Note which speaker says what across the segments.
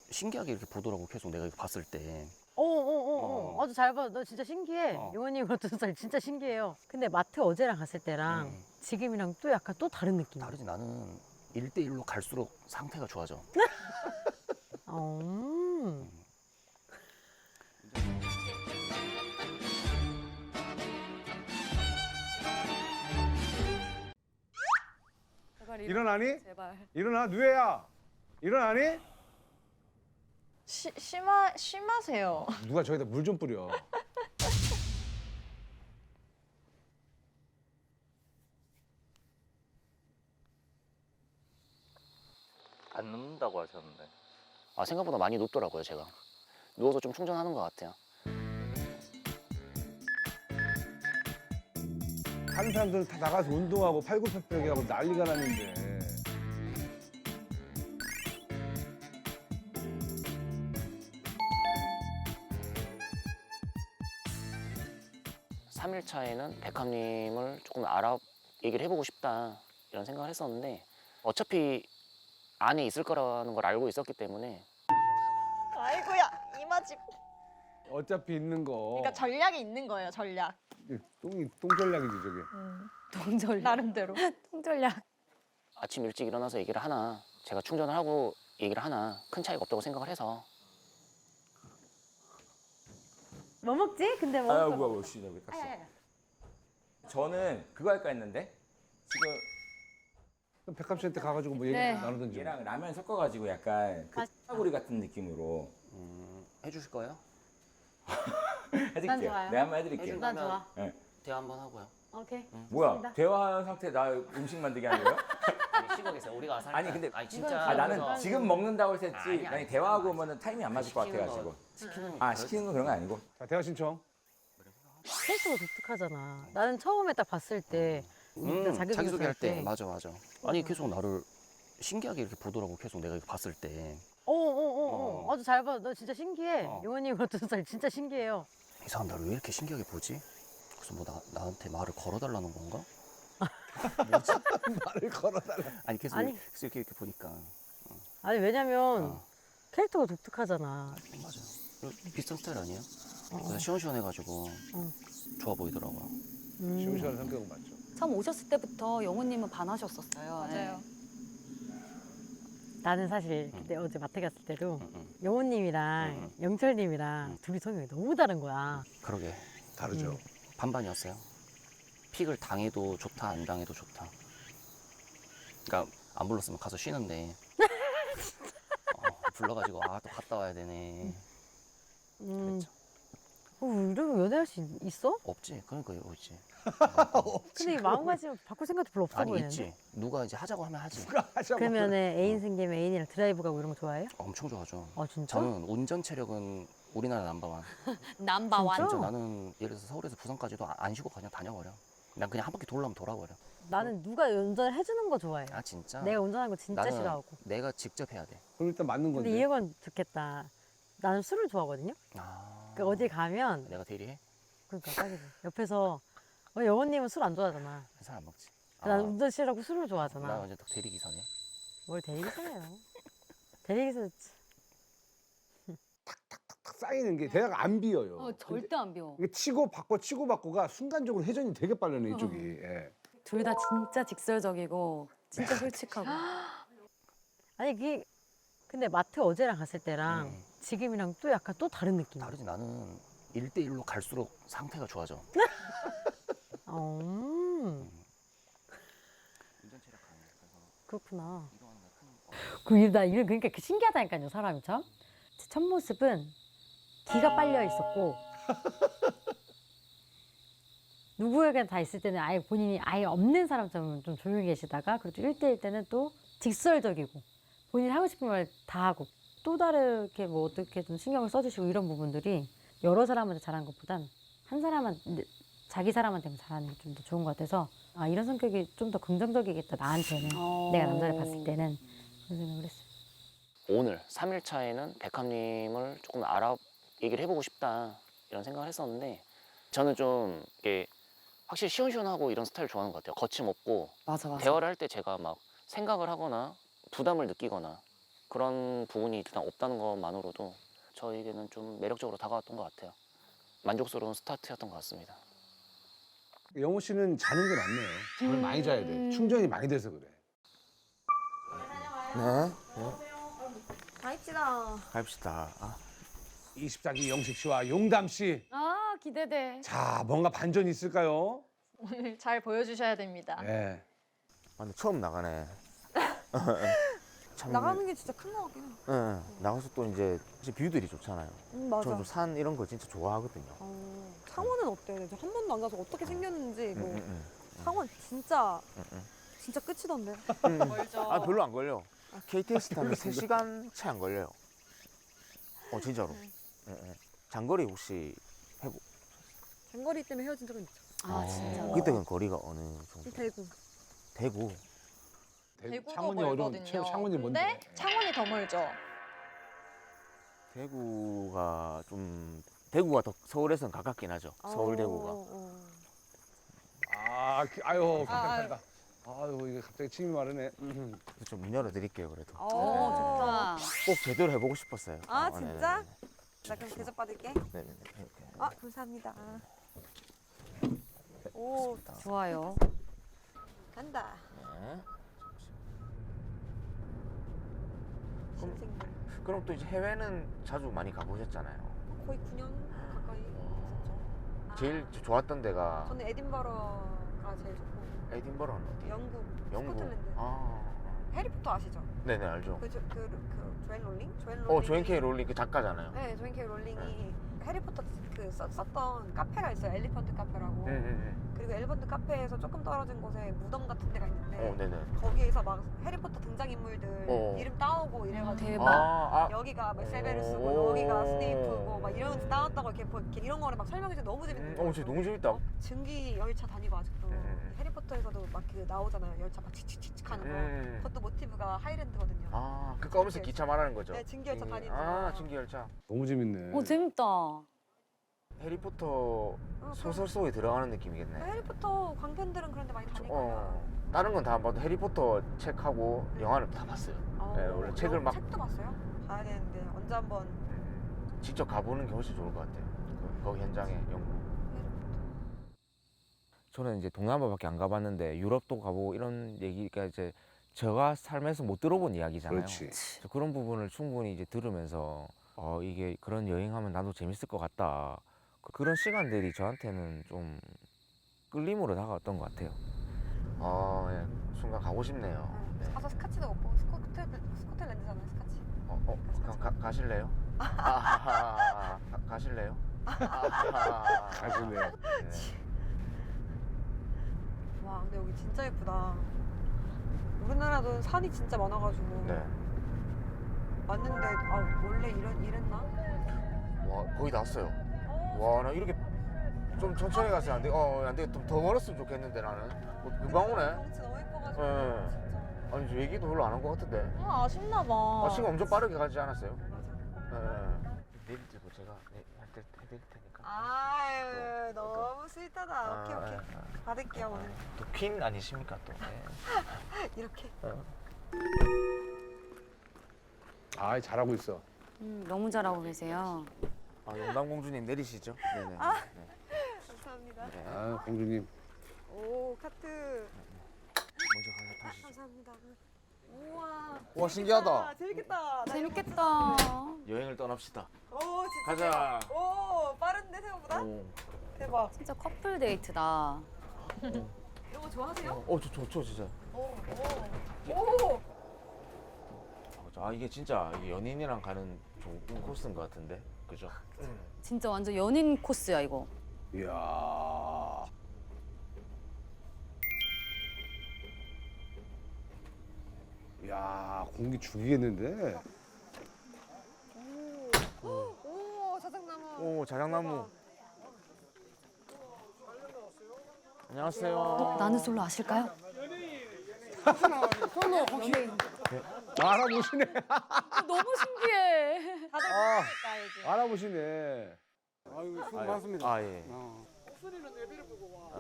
Speaker 1: 신기하게 이렇게 보더라고. 계속 내가 이거 봤을 때.
Speaker 2: 아주 잘 봐. 너 진짜 신기해. 용원님 같은 스타일 진짜 신기해요. 근데 마트 어제랑 갔을 때랑 지금이랑 또 약간 또 다른 느낌.
Speaker 1: 다르지. 나는 1대1로 갈수록 상태가 좋아져.
Speaker 2: 음.
Speaker 3: 제발
Speaker 4: 일어나니?
Speaker 3: 제발.
Speaker 4: 일어나, 누에야. 일어나니?
Speaker 5: 심하세요.
Speaker 4: 누가 저기다 물 좀 뿌려.
Speaker 6: 안 눕는다고 하셨는데.
Speaker 1: 아, 생각보다 많이 눕더라고요, 제가. 누워서 좀 충전하는 것 같아요.
Speaker 4: 다른 사람들은 다 나가서 운동하고 팔굽혀펴기 하고 난리가 났는데.
Speaker 1: 삼일차에는 백합님을 조금 얘기를 해보고 싶다 이런 생각을 했었는데 어차피 안에 있을 거라는 걸 알고 있었기 때문에
Speaker 5: 아이고야 이마집.
Speaker 4: 어차피 있는 거.
Speaker 5: 그러니까 전략이 있는 거예요. 전략.
Speaker 4: 똥전략이지, 저게.
Speaker 3: 동전략.
Speaker 5: 나름대로.
Speaker 3: 통전략.
Speaker 1: 아침 일찍 일어나서 얘기를 하나 제가 충전을 하고 얘기를 하나 큰 차이가 없다고 생각을 해서
Speaker 2: 뭐 먹지? 근데 뭐?
Speaker 7: 아유 뭐야 씨, 왜 깠어? 저는 그거 할까 했는데 지금
Speaker 4: 그럼 백합 씨한테 가가지고 뭐 얘기
Speaker 3: 네.
Speaker 4: 나누든지.
Speaker 7: 얘랑 라면 섞어가지고 약간 그 사구리 같은 느낌으로
Speaker 1: 해주실 거예요?
Speaker 7: 해드릴게요.
Speaker 2: 좋아요.
Speaker 7: 네, 한번 해드릴게요.
Speaker 2: 난 좋아.
Speaker 7: 네.
Speaker 1: 대화 한번 하고요.
Speaker 2: 오케이.
Speaker 7: 뭐야
Speaker 2: 좋습니다.
Speaker 7: 대화한 상태 나 음식 만들게 하는 거예요?
Speaker 1: 아니, 시골에서 우리가 와서
Speaker 7: 아니, 근데
Speaker 1: 진짜
Speaker 7: 아 나는
Speaker 1: 그래서
Speaker 7: 지금 먹는다고 해서 했지
Speaker 1: 아니,
Speaker 7: 만약 대화하고 오면은 타이밍 안 맞을 것 같아가지고.
Speaker 1: 시키는
Speaker 7: 아 시키는 건 그런 거 아니고.
Speaker 4: 자, 대화 신청.
Speaker 2: 캐릭터가 독특하잖아. 나는 처음에 딱 봤을 때
Speaker 1: 자기소개할 때 맞아. 아니 계속 나를 신기하게 이렇게 보더라고. 계속 내가 이거 봤을 때.
Speaker 2: 아주 잘 봐. 너 진짜 신기해.
Speaker 1: 어.
Speaker 2: 용원님 같은 스타일 진짜 신기해요.
Speaker 1: 이 사람 나를 왜 이렇게 신기하게 보지? 그래서 뭐 나한테 말을 걸어달라는 건가?
Speaker 4: 말을 걸어달라.
Speaker 1: 아니 계속
Speaker 2: 아니.
Speaker 1: 이렇게 보니까
Speaker 2: 아니 왜냐면
Speaker 1: 어.
Speaker 2: 캐릭터가 독특하잖아.
Speaker 1: 맞아. 비슷한 스타일 아니에요? 그래서 시원시원해가지고 좋아 보이더라고요.
Speaker 4: 시원시원한 성격은 맞죠.
Speaker 3: 처음 오셨을 때부터 영호님은 반하셨었어요.
Speaker 5: 맞아요.
Speaker 2: 나는 사실 그때 어제 마트 갔을 때도
Speaker 1: 응.
Speaker 2: 영호님이랑 영철님이랑 둘이 성격이 너무 다른 거야.
Speaker 1: 그러게
Speaker 4: 다르죠.
Speaker 1: 반반이었어요. 픽을 당해도 좋다, 안 당해도 좋다. 그러니까 안 불렀으면 가서 쉬는데 불러가지고 또 갔다 와야 되네.
Speaker 2: 음.
Speaker 1: 그랬죠.
Speaker 2: 이러면 연애할 수 있어?
Speaker 1: 없지. 그러니까 있지.
Speaker 2: 근데 이 마음가짐 바꿀 생각도 별로 없어
Speaker 1: 아니
Speaker 2: 보이는데.
Speaker 1: 있지. 누가 이제 하자고 하면 하지.
Speaker 2: 그러면은 애인 생기면 애인이랑 드라이브 가고 이런 거 좋아해요?
Speaker 1: 엄청 좋아하죠.
Speaker 2: 아 진짜?
Speaker 1: 저는 운전 체력은 우리나라 넘버원.
Speaker 3: 남바완.
Speaker 2: 진짜?
Speaker 1: 진짜 나는 예를 들어서 서울에서 부산까지도 안 쉬고 그냥 다녀버려. 난 그냥 한 바퀴 돌려면 돌아버려.
Speaker 2: 나는 누가 운전을 해주는 거 좋아해.
Speaker 1: 아 진짜?
Speaker 2: 내가 운전하는 거 진짜
Speaker 1: 나는
Speaker 2: 싫어하고.
Speaker 1: 내가 직접 해야 돼.
Speaker 4: 그럼 일단 맞는
Speaker 2: 근데
Speaker 4: 건데.
Speaker 2: 이 형은 좋겠다. 나는 술을 좋아하거든요.
Speaker 1: 아.
Speaker 2: 그러니까 어디 가면
Speaker 1: 내가 대리해?
Speaker 2: 그러니까 딱이지. 옆에서 영호님은 술 안 좋아하잖아.
Speaker 1: 잘 안 먹지.
Speaker 2: 난 운전 싫어하고 술을
Speaker 1: 나
Speaker 2: 좋아하잖아.
Speaker 1: 완전 딱 대리기사네.
Speaker 2: 뭘 대리기사예요? 대리기사
Speaker 4: 탁 쌓이는 게 대화가 안 비어요.
Speaker 3: 절대 안 비워.
Speaker 4: 이게 치고 받고가 순간적으로 회전이 되게 빠르네, 이쪽이. 예.
Speaker 3: 둘 다 진짜 직설적이고 진짜 솔직하고.
Speaker 2: 아니 그게 근데 마트 어제랑 갔을 때랑 지금이랑 또 약간 또 다른 느낌.
Speaker 1: 다르지. 나는 1대1로 갈수록 상태가 좋아져.
Speaker 2: 음.
Speaker 1: 운전 체력 강해. 그래서
Speaker 2: 그렇구나.
Speaker 1: 이동하는 큰
Speaker 2: 나 이런 그러니까 그 신기하다니까요 사람이 참. 제 첫 모습은 기가 빨려 있었고 누구에게 다 있을 때는 아예 본인이 아예 없는 사람처럼 좀 조용히 계시다가 그래도 1대1 때는 또 직설적이고 본인이 하고 싶은 말 다 하고 또 다르게 뭐 어떻게 좀 신경을 써주시고 이런 부분들이 여러 사람한테 잘하는 것보단 한 사람한테 자기 사람한테만 잘하는 게 좀 더 좋은 것 같아서 아 이런 성격이 좀 더 긍정적이겠다 나한테는 내가 남자를 봤을 때는 그런 생각을 했어요.
Speaker 1: 오늘 3일 차에는 백합님을 조금 얘기를 해보고 싶다 이런 생각을 했었는데 저는 좀 이게 확실히 시원시원하고 이런 스타일 좋아하는 것 같아요. 거침없고
Speaker 3: 맞아.
Speaker 1: 대화를 할 때 제가 막 생각을 하거나 부담을 느끼거나 그런 부분이 일단 없다는 것만으로도 저에게는 좀 매력적으로 다가왔던 것 같아요. 만족스러운 스타트였던 것 같습니다.
Speaker 4: 영호 씨는 자는 게 낫네요. 잠을 많이 자야 돼. 충전이 많이 돼서 그래.
Speaker 7: 네.
Speaker 5: 가입시다.
Speaker 7: 갑시다.
Speaker 4: 24기 영식 씨와 용담 씨.
Speaker 2: 아 기대돼.
Speaker 4: 자, 뭔가 반전이 있을까요?
Speaker 5: 오늘 잘 보여주셔야 됩니다.
Speaker 4: 네.
Speaker 7: 근데 처음 나가네. 참,
Speaker 3: 나가는 게 진짜 큰 거 같긴 해.
Speaker 7: 응, 나가서 또 이제 뷰들이 좋잖아요.
Speaker 3: 맞아.
Speaker 7: 저도 산 이런 거 진짜 좋아하거든요.
Speaker 3: 창원은 어때? 저 한 번도 안 가서 어떻게 생겼는지 뭐
Speaker 7: 응.
Speaker 3: 창원 진짜
Speaker 7: 응.
Speaker 3: 진짜 끝이던데.
Speaker 5: 멀죠.
Speaker 7: 아 별로 안 걸려. KTX 타면 3시간 채 안 걸려요. 진짜로. 응. 장거리 혹시
Speaker 3: 장거리 때문에 헤어진 적은 있죠.
Speaker 2: 아 진짜.
Speaker 7: 그때는 거리가 어느 정도?
Speaker 3: 대구.
Speaker 7: 대구.
Speaker 5: 대구도
Speaker 4: 창원이
Speaker 5: 멀거든요.
Speaker 4: 창원이 뭔데?
Speaker 5: 근데 창원이 더 멀죠.
Speaker 7: 대구가 더 서울에서는 가깝긴 하죠. 서울 대구가.
Speaker 4: 아유, 깜짝이야. 아유, 이게 갑자기 침이 마르네.
Speaker 7: 좀 문 열어드릴게요 그래도.
Speaker 3: 좋다.
Speaker 7: 꼭 제대로 해보고 싶었어요.
Speaker 3: 아, 진짜?
Speaker 7: 네네네.
Speaker 3: 나 그럼 대접 받을게.
Speaker 7: 네네네. 이렇게.
Speaker 3: 아 감사합니다. 오
Speaker 2: 좋아요.
Speaker 3: 간다.
Speaker 7: 네.
Speaker 3: 신생들.
Speaker 7: 그럼 또 이제 해외는 자주 많이 가보셨잖아요.
Speaker 3: 거의 9년 가까이 있었죠.
Speaker 7: 제일 좋았던 데가
Speaker 3: 저는 에딘버러가 제일 좋고
Speaker 7: 에딘버러는 어디?
Speaker 3: 영국,
Speaker 7: 영국.
Speaker 3: 스코틀랜드.
Speaker 7: 아,
Speaker 3: 해리포터 아시죠?
Speaker 7: 네네 알죠.
Speaker 3: 그 조앤 롤링? 조앤 롤링.
Speaker 7: 조앤 K 롤링 그 작가잖아요.
Speaker 3: 네, 조앤 K 롤링이 해리포터 그 썼던 카페가 있어요. 엘리펀트 카페라고.
Speaker 7: 네네네.
Speaker 3: 그리고 엘리펀트 카페에서 조금 떨어진 곳에 무덤 같은 데가 있는데
Speaker 7: 네네.
Speaker 3: 거기에서 막 해리포터 등장인물들
Speaker 7: 어.
Speaker 3: 이름 따오고 이래가지고
Speaker 2: 대박.
Speaker 3: 여기가 막 세베루스고 여기가 스네이프고 막 이런 따왔다고 이렇게 이런 거를 막 설명해서 너무 재밌는 거예요.
Speaker 7: 진짜 너무 재밌다.
Speaker 3: 증기 열차 다니고 아직도 해리포터에서도 막 그 나오잖아요. 열차 막 칙칙칙칙 하는 거. 그것도 모티브가 하이랜드거든요.
Speaker 7: 그 까면서 기차 말하는 거죠.
Speaker 3: 네, 증기 열차 다니는 거.
Speaker 7: 증기 열차.
Speaker 4: 너무 재밌네.
Speaker 2: 재밌다.
Speaker 7: 해리포터 소설 속에 들어가는 느낌이겠네.
Speaker 3: 해리포터 광팬들은 그런데 많이 다닐 거예요.
Speaker 7: 다른 건 다 안 봐도 해리포터 책하고 영화를 다 봤어요. 네, 원래 책을 막
Speaker 3: 책도 봤어요? 봐야 되는데 언제 한번
Speaker 7: 직접 가보는 게 훨씬 좋을 것 같아요. 거기 현장에 영국. 저는 이제 동남아밖에 안 가봤는데 유럽도 가보고 이런 얘기가 이제 제가 삶에서 못 들어본 이야기잖아요.
Speaker 4: 그렇지.
Speaker 7: 그래서 그런 부분을 충분히 이제 들으면서 이게 그런 여행하면 나도 재밌을 것 같다. 그런 시간들이 저한테는 좀 끌림으로 다가왔던 것 같아요. 예. 순간 가고 싶네요. 네.
Speaker 3: 가서 스카치도 먹고 스코틀랜드잖아요 스카치.
Speaker 7: 가실래요? 가실래요?
Speaker 4: 가실래요?
Speaker 7: 네.
Speaker 3: 와 근데 여기 진짜 예쁘다. 우리나라도 산이 진짜 많아가지고
Speaker 7: 네.
Speaker 3: 왔는데 원래 이랬나?
Speaker 7: 와 거의 다 왔어요. 와 나 이렇게 좀 천천히 갔어야 안 돼. 안 돼. 좀 더 멀었으면 좋겠는데 나는. 금방 오네.
Speaker 3: 경치 너무 예뻐가지고
Speaker 7: 네.
Speaker 3: 진짜.
Speaker 7: 아니 저 얘기도 별로 안 한 것 같은데.
Speaker 5: 아쉽나 봐.
Speaker 7: 시간 엄청 빠르게 가지 않았어요?
Speaker 3: 맞아.
Speaker 7: 내일 들고 제가 해드릴 테니까.
Speaker 3: 아유 너무 스윗하다. 오케이. 받을게요 오늘.
Speaker 7: 또 퀸 아니십니까 또.
Speaker 3: 이렇게.
Speaker 4: 잘하고 있어.
Speaker 2: 너무 잘하고 계세요.
Speaker 7: 용담공주님 내리시죠. 네네.
Speaker 3: 감사합니다.
Speaker 7: 네.
Speaker 4: 공주님.
Speaker 3: 오 카트.
Speaker 7: 먼저 가서 타시죠.
Speaker 3: 감사합니다. 우와.
Speaker 7: 와 신기하다.
Speaker 3: 재밌겠다. 나
Speaker 2: 재밌겠다.
Speaker 7: 여행을 떠납시다.
Speaker 3: 이거 오 진짜.
Speaker 7: 가자.
Speaker 3: 오 빠른데 생각보다? 대박.
Speaker 2: 진짜 커플 데이트다.
Speaker 3: 이런 거 좋아하세요?
Speaker 7: 저 좋죠 진짜.
Speaker 3: 오.
Speaker 7: 이게 진짜 연인이랑 가는 좋은 코스인 것 같은데, 그죠?
Speaker 2: 진짜 완전 연인 코스야 이거.
Speaker 4: 이야. 야, 공기 죽이겠는데?
Speaker 3: 오 자작나무.
Speaker 7: 오 자작나무. 안녕하세요.
Speaker 2: 나는 솔로 아실까요?
Speaker 4: 알아보시네.
Speaker 2: 너무 신기해.
Speaker 5: 다들 모르니까 요즘.
Speaker 4: 알아보시네.
Speaker 8: 아이고 수고 많습니다.
Speaker 7: 예.
Speaker 8: 목소리는 내비를 보고 와.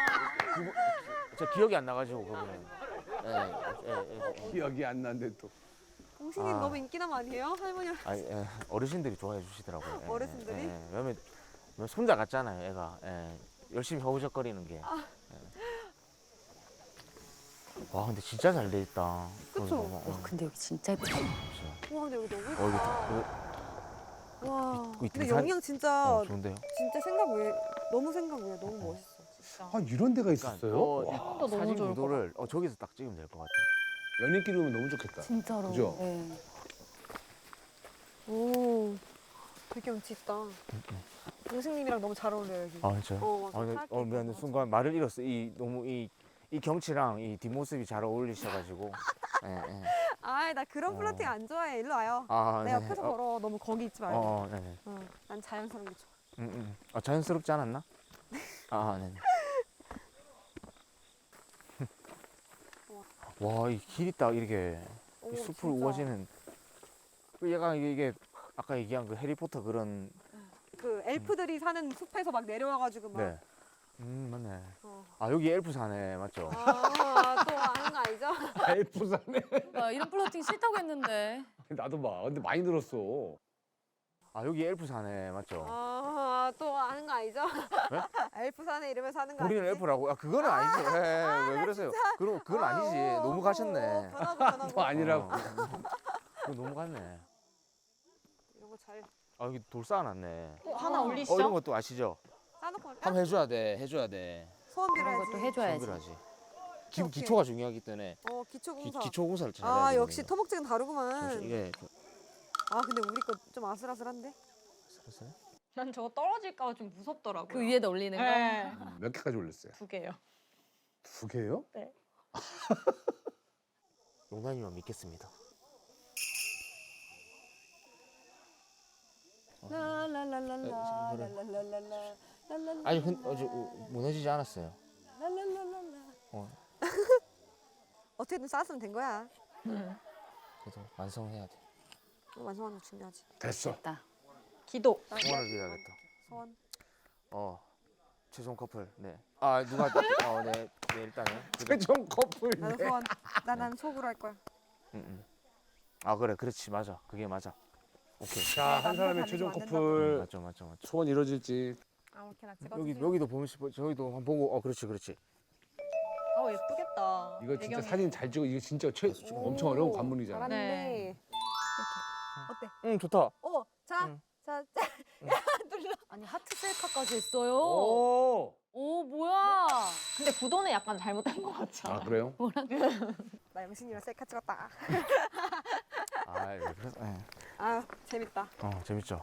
Speaker 7: 저 기억이 안 나가지고 그분은. 예.
Speaker 4: 기억이 안 난데 또.
Speaker 3: 홍신님
Speaker 7: 아.
Speaker 3: 너무 인기남 아니에요? 할머니랑.
Speaker 7: 아니, 어르신들이 좋아해 주시더라고요.
Speaker 3: 어르신들이?
Speaker 7: 왜냐면 손자 같잖아요, 애가. 열심히 허우적거리는 게. 와, 근데 진짜 잘 돼 있다.
Speaker 3: 그쵸?
Speaker 2: 근데 여기 진짜 예쁘다.
Speaker 3: 와 근데 여기 너무
Speaker 7: 이게
Speaker 3: 예쁘다. 와.
Speaker 7: 이
Speaker 3: 근데
Speaker 7: 등산-
Speaker 3: 영양 진짜
Speaker 7: 좋은데요?
Speaker 3: 진짜 생각 외 너무 생각 외 너무 멋있어.
Speaker 4: 아 이런 데가 있었어요? 와,
Speaker 5: 너무
Speaker 7: 사진
Speaker 5: 좋을 것
Speaker 7: 구도를 저기서 딱 찍으면 될 것 같아요.
Speaker 4: 연인끼리 오면 너무 좋겠다.
Speaker 2: 진짜로.
Speaker 4: 그죠?
Speaker 2: 네.
Speaker 3: 오. 되게 경치 있다. 동생님이랑 너무 잘 어울려요 여기.
Speaker 7: 아, 진짜요?
Speaker 3: 맞아. 하얗게
Speaker 7: 미안해.
Speaker 3: 입고
Speaker 7: 순간 말을 잃었어. 너무 이 경치랑 이 뒷모습이 잘 어울리셔가지고.
Speaker 3: 아이 나 그런
Speaker 7: 어.
Speaker 3: 플러팅 안 좋아해. 일로 와요.
Speaker 7: 아,
Speaker 3: 내 옆에서 걸어. 너무 거기 있지 말고.
Speaker 7: 네네.
Speaker 3: 난 자연스러운 게 좋아.
Speaker 7: 자연스럽지 않았나? 네네. 와, 이 길이 딱 이렇게
Speaker 3: 오,
Speaker 7: 이 숲을
Speaker 3: 진짜.
Speaker 7: 우거지는 그 약간 이게 아까 얘기한 그 해리포터 그런
Speaker 3: 그 엘프들이 사는 숲에서 막 내려와가지고 막.
Speaker 7: 네. 맞네.
Speaker 3: 어.
Speaker 7: 아, 여기 엘프 사네, 맞죠?
Speaker 3: 또 아는 거 아니죠?
Speaker 4: 엘프사네.
Speaker 5: 나 이런 플러팅 싫다고 했는데.
Speaker 4: 나도 봐. 근데 많이 늘었어.
Speaker 7: 아, 여기 엘프 사네, 맞죠?
Speaker 3: 또 아는 거 아니죠?
Speaker 7: 네?
Speaker 3: 엘프 사네 이러면 사는 거
Speaker 7: 우리는
Speaker 3: 아니지?
Speaker 7: 엘프라고? 그거는 아니지. 왜 그러세요? 그건 아니지. 너무 가셨네.
Speaker 3: 변하고
Speaker 4: 또 아니라고.
Speaker 7: 그거 너무 갔네.
Speaker 3: 이런 거 잘
Speaker 7: 여기 돌 쌓아놨네.
Speaker 5: 하나 올리시죠?
Speaker 7: 이런 것도 아시죠?
Speaker 3: 싸놓고 할까?
Speaker 7: 한번 해줘야 돼.
Speaker 3: 소원
Speaker 2: 그런
Speaker 3: 빌어야지.
Speaker 2: 것도 해줘야지.
Speaker 7: 준비하지.
Speaker 3: 오케이.
Speaker 7: 기초가 중요하기 때문에
Speaker 3: 기초공사.
Speaker 7: 기초공사를 잘해야
Speaker 3: 아
Speaker 7: 되거든요.
Speaker 3: 역시 토목증은 다르구만.
Speaker 7: 이게
Speaker 3: 아 근데 우리 거 좀 아슬아슬한데?
Speaker 7: 살았어요?
Speaker 5: 난 저거 떨어질까 봐 좀 무섭더라고요.
Speaker 2: 그 위에다 올리는 거.
Speaker 5: 네.
Speaker 4: 몇 개까지 올렸어요?
Speaker 5: 2개요.
Speaker 4: 2개요?
Speaker 7: 농담이면 믿겠습니다. 아니 무너지지 않았어요.
Speaker 3: 어떻게든 쌓았으면 된 거야.
Speaker 7: 그래도 완성해야 돼.
Speaker 3: 완성하는 거 중요하지.
Speaker 4: 됐어.
Speaker 5: 기도.
Speaker 7: 소원을 빌어야겠다.
Speaker 3: 소원.
Speaker 7: 최종 커플. 네. 누가 네 일단은.
Speaker 4: 최종 커플.
Speaker 3: 나도 소원. 난 속으로 할 거야.
Speaker 7: 그래, 그렇지, 맞아. 그게 맞아. 오케이.
Speaker 4: 자, 한 사람의
Speaker 3: 남녀
Speaker 4: 최종
Speaker 3: 다니면 안
Speaker 4: 커플
Speaker 7: 맞죠.
Speaker 4: 소원 이루어질지.
Speaker 3: 아무렇게나 찍어주세요.
Speaker 7: 여기도 보면 싶어. 저기도 한번 보고. 그렇지.
Speaker 5: 예쁘겠다.
Speaker 4: 이거 진짜
Speaker 5: 배경이.
Speaker 4: 사진 잘 찍어. 이거 진짜 엄청 어려운 관문이잖아.
Speaker 3: 잘하네.
Speaker 5: 네.
Speaker 3: 어때?
Speaker 7: 응, 좋다.
Speaker 3: 자,
Speaker 7: 응.
Speaker 3: 자, 눌러.
Speaker 2: 아니 하트 셀카까지 했어요.
Speaker 4: 오.
Speaker 2: 오 뭐야?
Speaker 5: 근데 구도는 약간 잘못된 것 같지 않아요?
Speaker 4: 그래요?
Speaker 3: 나 영신이랑 셀카 찍었다.
Speaker 7: 그래서
Speaker 3: 아, 재밌다.
Speaker 7: 재밌죠.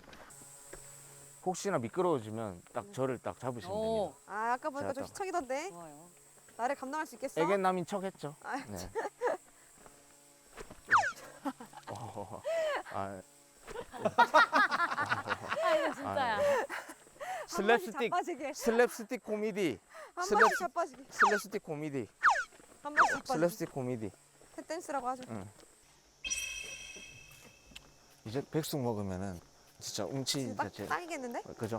Speaker 3: 혹시나
Speaker 7: 혹시나 미끄러워지면 딱 저를 딱 잡으시면 됩니다.
Speaker 3: 아까 보니까 좀
Speaker 7: 제가
Speaker 3: 희청이던데.
Speaker 2: 좋아요.
Speaker 3: 나를 감당할 수 있겠어?
Speaker 7: 애견남인 척 했죠.
Speaker 3: 아,
Speaker 7: 네.
Speaker 2: 이거 진짜야.
Speaker 3: 자빠지게.
Speaker 7: 슬랩스틱 코미디.
Speaker 3: 한 번씩 자빠지게.
Speaker 7: 슬랩스틱 코미디.
Speaker 3: 한 번씩 자빠지게.
Speaker 7: 슬랩스틱 코미디.
Speaker 3: 탭댄스라고 하죠.
Speaker 7: 이제 백숙 먹으면은 진짜 웅치
Speaker 3: 진짜
Speaker 7: 자체.
Speaker 3: 딱이겠는데?
Speaker 7: 그죠?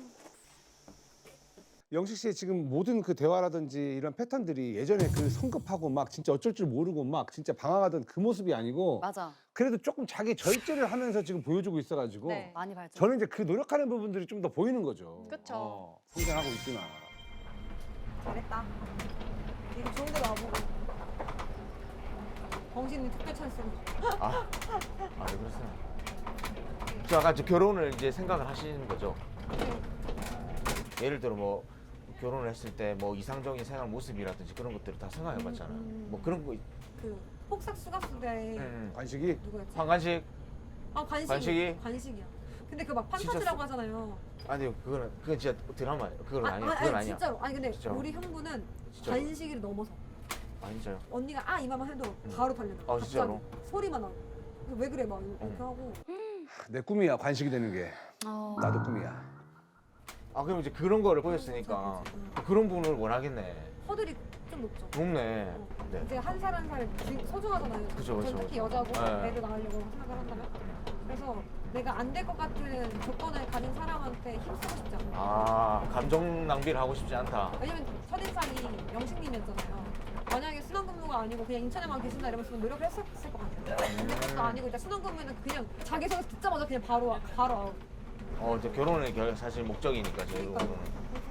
Speaker 4: 영식 씨의 지금 모든 그 대화라든지 이런 패턴들이 예전에 그 성급하고 막 진짜 어쩔 줄 모르고 막 진짜 방황하던 그 모습이 아니고
Speaker 2: 맞아.
Speaker 4: 그래도 조금 자기 절제를 하면서 지금 보여주고 있어가지고
Speaker 5: 네.
Speaker 2: 많이 발전.
Speaker 4: 저는 이제 그 노력하는 부분들이 좀 더 보이는 거죠.
Speaker 5: 그쵸.
Speaker 4: 성장하고 있구나.
Speaker 3: 잘했다. 이거 좋은 데 와보고. 정신이 특별 찬스로.
Speaker 7: 왜 그러세요? 저 아까 결혼을 이제 생각을 하시는 거죠? 예를 들어 뭐 결혼을 했을 때 뭐 이상적인 생활 모습이라든지 그런 것들을 다 생각해봤잖아요. 뭐 그런 거
Speaker 3: 그 폭삭 수가수대
Speaker 4: 관식이
Speaker 3: 누구였지?
Speaker 7: 관간식
Speaker 3: 관식이?
Speaker 7: 관식이?
Speaker 3: 관식이야. 근데 그 막
Speaker 7: 진짜
Speaker 3: 판타지라고 하잖아요.
Speaker 7: 아니요 그건 진짜 드라마예요. 그건 아니에요. 그건 아니야.
Speaker 3: 진짜로. 아니 근데
Speaker 7: 진짜로.
Speaker 3: 우리 형부는
Speaker 7: 진짜로.
Speaker 3: 관식이를 넘어서
Speaker 7: 아니죠.
Speaker 3: 언니가 이마만 해도 바로 달려나.
Speaker 7: 진짜로?
Speaker 3: 소리만 나고. 왜 그래 막 이렇게 하고.
Speaker 4: 내 꿈이야 관식이 되는 게. 나도 꿈이야.
Speaker 7: 그럼 이제 그런 거를 보였으니까 그런 분을 원하겠네.
Speaker 3: 허들이 좀 높죠.
Speaker 7: 높네. 네.
Speaker 3: 이제 한 살 한 살 소중하잖아요.
Speaker 7: 그죠.
Speaker 3: 특히 여자고
Speaker 7: 네.
Speaker 3: 애를 낳으려고 생각을 한다면. 그래서 내가 안 될 것 같은 조건을 가진 사람한테 힘쓰고 싶지 않아.
Speaker 7: 감정 낭비를 하고 싶지 않다.
Speaker 3: 왜냐면 첫인상이 영식님이었잖아요. 만약에 순환근무가 아니고 그냥 인천에만 계신다 이러면 노력을 했었을 것 같아요. 근데 그것도 아니고 일단 순환근무는 그냥 자기소개 듣자마자 그냥 바로 아웃.
Speaker 7: 이제 결혼이 사실 목적이니까
Speaker 3: 그러니까